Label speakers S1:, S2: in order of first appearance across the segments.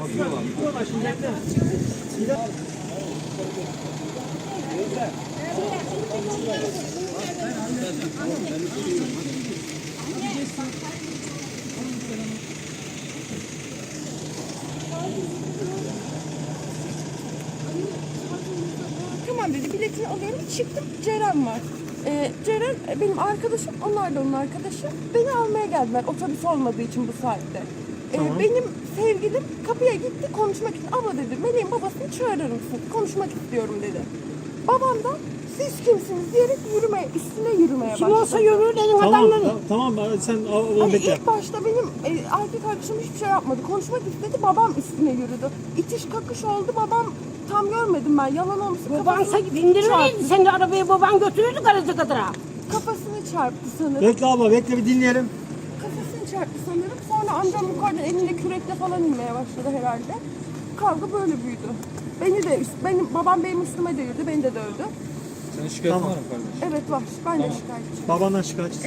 S1: Tamam dedi, biletini alıyorum. Çıktım, Ceren var. Ceren benim arkadaşım, onlar da onun arkadaşı. Beni almaya geldiler otobüs olmadığı için bu saatte.
S2: Tamam.
S1: Benim sevgilim kapıya gitti konuşmak için. Abla dedi, Meleğin babasını çağırır mısın? Konuşmak istiyorum dedi. Babam da siz kimsiniz diyerek üstüne yürümeye başladı.
S3: Kim olsa yürür dedim
S2: Tamam,
S3: adamların.
S2: tamam sen onu
S1: Hani
S2: bekle.
S1: ilk başta benim erkek arkadaşım hiçbir şey yapmadı. Konuşmak istedi, babam üstüne yürüdü. İtiş kakış oldu, babam tam görmedim ben. Yalan olmasın.
S3: Baban bindirirdi seni de arabaya, baban götürürdü garaja kadar.
S1: Kafasını çarptı sanırım.
S2: Bekle abla, bekle bir dinleyelim.
S1: Kafasını çarptı sanırım. Sonra amcam yukarıdan elinde kürekle falan inmeye başladı herhalde. Kavga böyle büyüdü. Babam benim üstüme de yürüdü, beni de dövdü.
S4: Senin şikayetin
S2: Tamam.
S4: var mı kardeş?
S1: Evet var, ben de şikayetçiyim.
S2: Babandan şikayetçisin.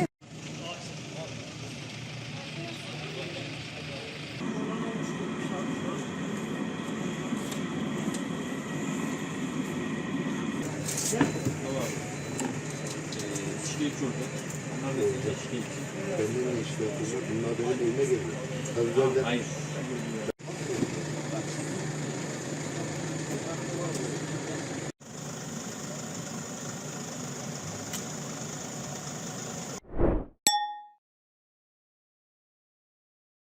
S4: Şikayetçi orada. Onlar da şikayetçi.
S5: Kendine işte bunlar benim elime geliyor.
S4: Hayır.